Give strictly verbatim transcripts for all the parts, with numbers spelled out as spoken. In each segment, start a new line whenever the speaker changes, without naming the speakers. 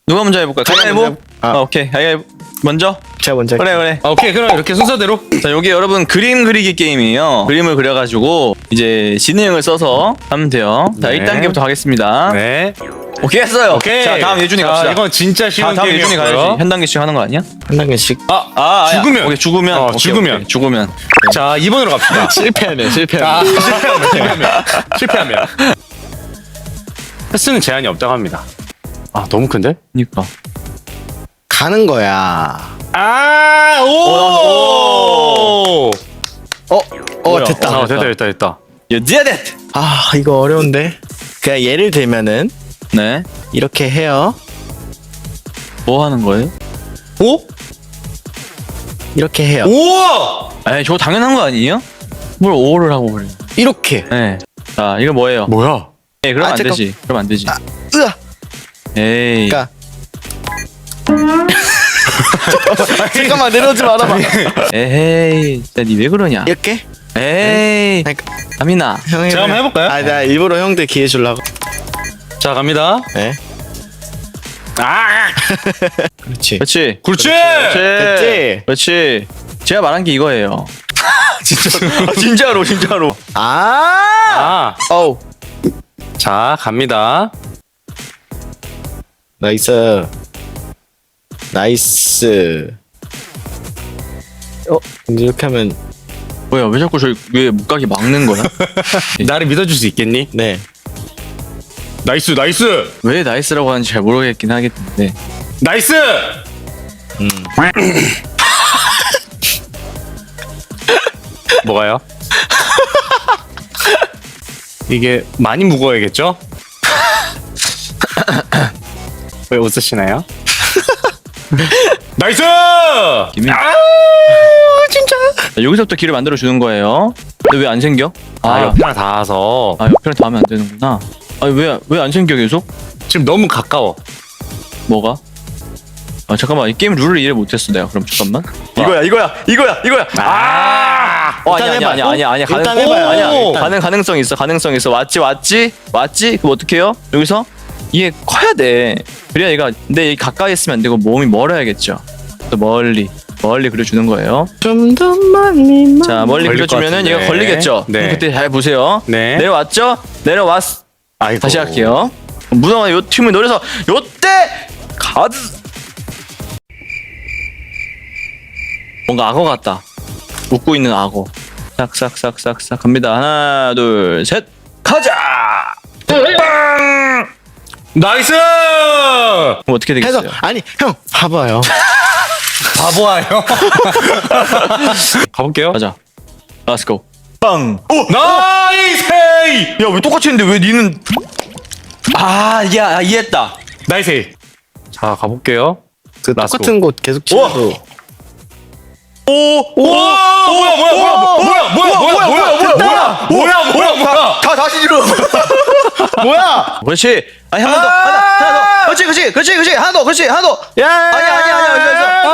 누가 먼저 해볼까요? 가위바위보?
아.
아, 오케이. 가위바위보. 먼저?
제가 먼저
그래, 그래.
아, 오케이 그럼 이렇게 순서대로.
자, 여기 여러분 그림 그리기 게임이에요. 그림을 그려가지고 이제 지능을 써서 하면 돼요. 자,
네.
일 단계부터 가겠습니다.
네.
오케이, 했어요.
오케이.
자, 다음 예준이
자,
갑시다.
이건 진짜
자,
쉬운
다음 예준이 가야지.
게임이었고요.
한 단계씩 하는 거 아니야?
한 단계씩.
아,
아, 아야.
죽으면.
오케이, 죽으면.
어,
오케이,
죽으면.
오케이, 죽으면.
자, 이 번으로 갑시다.
실패하면 실패하면.
아, 실패하면, 실패하면. 실패하면. 횟수는 제한이 없다고 합니다. 아, 너무 큰데?
그니까.
가는 거야.
아, 오!
오!
어, 어
뭐야?
됐다.
아, 됐다, 됐다, 됐다.
You did it!
아 이거 어려운데. 그냥 예를 들면은
네.
이렇게 해요.
뭐 하는 거예요?
오?
이렇게 해요.
우와!
에이, 저거 당연한 거 아니에요? 뭘 오를 하고 그래.
이렇게.
네. 자, 이거 뭐예요?
뭐야?
에이, 그럼
아,
안
잠깐.
되지. 그럼 안 되지.
아, 으아.
에이.
그러니까. 잠깐만 내려오지 말아봐.
에헤이. 진짜 니 왜 그러냐?
이렇게?
에이.
그러니까
아미나.
형
제가 한번 해볼까요?
아, 나 일부러 형들 기회 주려고.
자, 갑니다.
네.
아!
그렇지.
그렇지.
그렇지!
됐지?
그렇지. 제가 말한 게 이거예요. 진짜. 아, 진짜로, 진짜로.
아.
아,
어우.
자, 갑니다.
나이스. 나이스. 어, 이제 이렇게 하면
뭐야, 왜 자꾸 저희 왜 못 가게 막는 거야?
나를 믿어줄 수 있겠니?
네.
나이스, 나이스!
왜 나이스라고 하는지 잘 모르겠긴 하겠는데.
나이스!
음.
뭐가요? 이게 많이 무거워야겠죠? 왜 웃으시나요? 나이스!
김이.
아, 진짜?
자, 여기서부터 길을 만들어 주는 거예요. 근데 왜 안 생겨?
아,
아,
옆에랑 닿아서
아 옆에랑 닿으면 안 되는구나. 아니 왜왜 안 생겨 계속?
지금 너무 가까워.
뭐가? 아 잠깐만, 이 게임 룰을 이해 못했어 내가. 그럼 잠깐만. 이거야 이거야 이거야 이거야.
아!
어,
일단
아니야 아니야
해봐요.
아니야 아니야 가능.
일단 해봐요.
아니야
일단.
가능 가능성 있어 가능성 있어. 왔지 왔지 왔지. 그럼 어떻게 해요? 여기서 이게 커야 돼. 그래야 얘가. 근데 이 가까이 있으면 안 되고 몸이 멀어야겠죠. 또 멀리 멀리 그려주는 거예요.
좀 더 멀리.
자 멀리
걸릴 것
그려주면은
같은데.
얘가 걸리겠죠.
네.
그럼 그때 잘 보세요.
네.
내려왔죠? 내려왔.
아이고.
다시 할게요. 문어가 요 팀을 노려서 요때 가드. 뭔가 악어 같다. 웃고 있는 악어. 싹싹싹싹싹 갑니다. 하나 둘 셋 가자. 빵.
나이스!
그럼 어떻게
해서
되겠어요?
아니 형 봐봐요.
바보아요. 가볼게요.
가자. Let's go. 빵.
나이스!
야 왜 똑같이 했는데 왜 니는? 아 이게 아, 이해했다.
나이스! 자, 가볼게요.
그
라스코.
똑같은 곳 계속 치고.
오. 오.
와, 뭐야, 뭐야, 뭐야, 뭐야, 뭐야, 뭐야, 뭐야, 뭐야,
뭐야,
뭐야, 뭐야, 뭐야.
다 다시 지르.
뭐야?
그렇지. 아니 하나 더. 하나 하나 더. 그렇지 그렇지 그렇지 그렇지 하나 더. 그렇지 하나 더.
야.
아니 아니 아니 아니.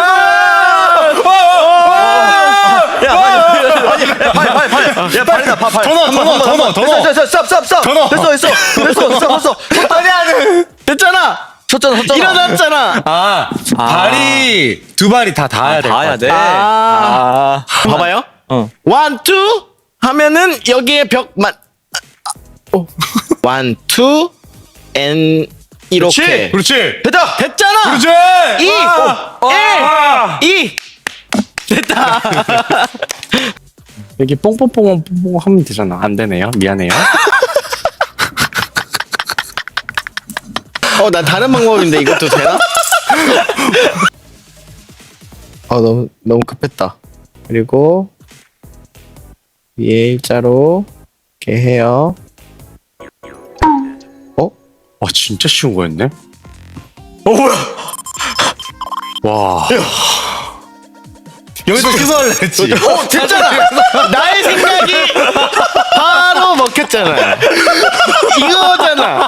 야, 빨리, 빨리, 빨리, 빨리. 야, 발이다, 발, 발.
더 넣어, 더 넣어, 더 넣어, 더 넣어.
됐어, 됐어, 스톱, 스톱,
더 넣어.
스톱. 됐어, 됐어, 됐어, 됐어, 됐어.
아니 아니. 됐잖아.
쳤잖아, 쳤잖아.
일어났잖아.
아,
아.
발이 두 발이 다 닿아야 돼.
닿아야 돼.
아.
아,
봐봐요.
어.
원, 투 하면은 여기에 벽만. 오. 원, 투, 앤 이렇게.
그렇지.
됐다.
됐잖아.
그렇지.
이,
아.
일, 이. 됐다.
여기 뽕뽕뽕 뽕뽕 하면 되잖아. 안 되네요. 미안해요.
어, 난 다른 방법인데 이것도 되나? 어, 너무 너무 급했다. 그리고 위에 일자로 이렇게 해요. 어?
와, 진짜 쉬운 거였네. 어, 뭐야? 와. 여기서 취소할래 했지.
어, 됐잖아. 나의 생각이 바로 먹혔잖아. 이거잖아.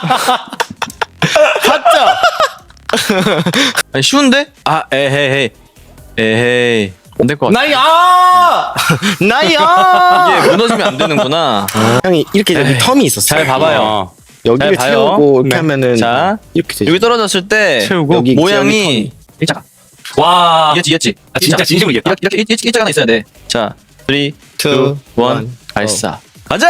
봤죠?
아니, 쉬운데? 아, 에헤이, 에헤이. 안 될 것 같아.
나이 아! 나이 아!
이게 무너지면 안 되는구나.
형이 이렇게 여기 텀이 있었어.
잘 봐봐요.
어.
여기를
잘 봐요.
채우고 이렇게
네.
하면은
자,
이렇게 되죠.
여기 떨어졌을 때
채우고
여기
모양이
일자가
와.
이겼지 이겼지.
아, 진짜 진심으로 이겼다.
이렇게 이렇게 일자 하나 있어야 돼. 자, 삼, 이,
two, one,
일 발사. 가자!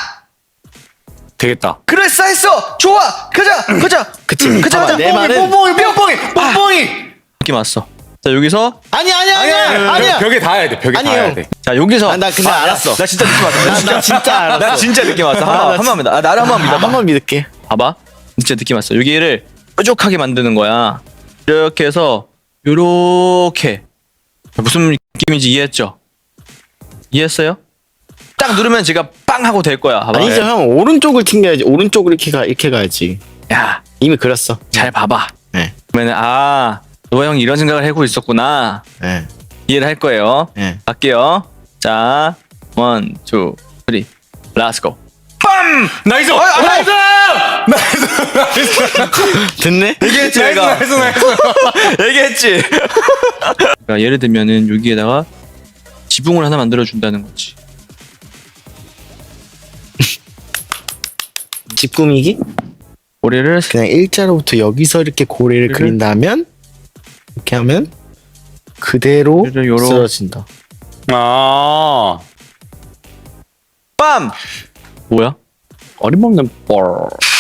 되겠다.
그랬어 했어. 좋아. 가자. 가자.
그치.
가자
봐봐,
가자.
내 말은
뽕뽕이 뽕뽕이 뽕뽕이.
느낌 왔어. 자, 여기서
아니 아니야 아니야 아니야.
벽에 닿아야 돼. 벽에
아니에요.
닿아야 돼.
자, 여기서
아, 나 근데 알았어.
나 진짜 느낌 왔어.
나, 나 진짜 알았어.
나 진짜 느낌 왔어.
아, 나
한번 한번 믿어. 아, 나를 한번 믿어봐.
한번 믿을게.
봐봐. 진짜 느낌 왔어. 여기를 뾰족하게 만드는 거야. 이렇게 해서 요렇게 무슨 느낌인지 이해했죠? 이해했어요? 딱 누르면 제가 빵 하고 될 거야. 봐봐.
아니죠 형 오른쪽을 튕겨야지. 오른쪽으로 이렇게 가 이렇게 가야지.
야,
이미 그렸어.
잘 봐봐.
네.
그러면 아, 노아 형이 이런 생각을 하고 있었구나.
네.
이해를 할 거예요.
네.
갈게요. 자, 원, 투, 쓰리, 렛츠고.
나이스.
아,
나이스. 나이스.
됐네.
얘기했지,
나이스
내가.
나이스 나이스.
얘기했지. 그러니까 예를 들면은 여기에다가 지붕을 하나 만들어 준다는 거지.
집 꾸미기?
고래를
그냥 일자로부터 여기서 이렇게 고래를
그래?
그린다면 이렇게 하면 그대로
고래를 요러-
쓰러진다.
아.
빰. 뭐야?
어림없는 뻘.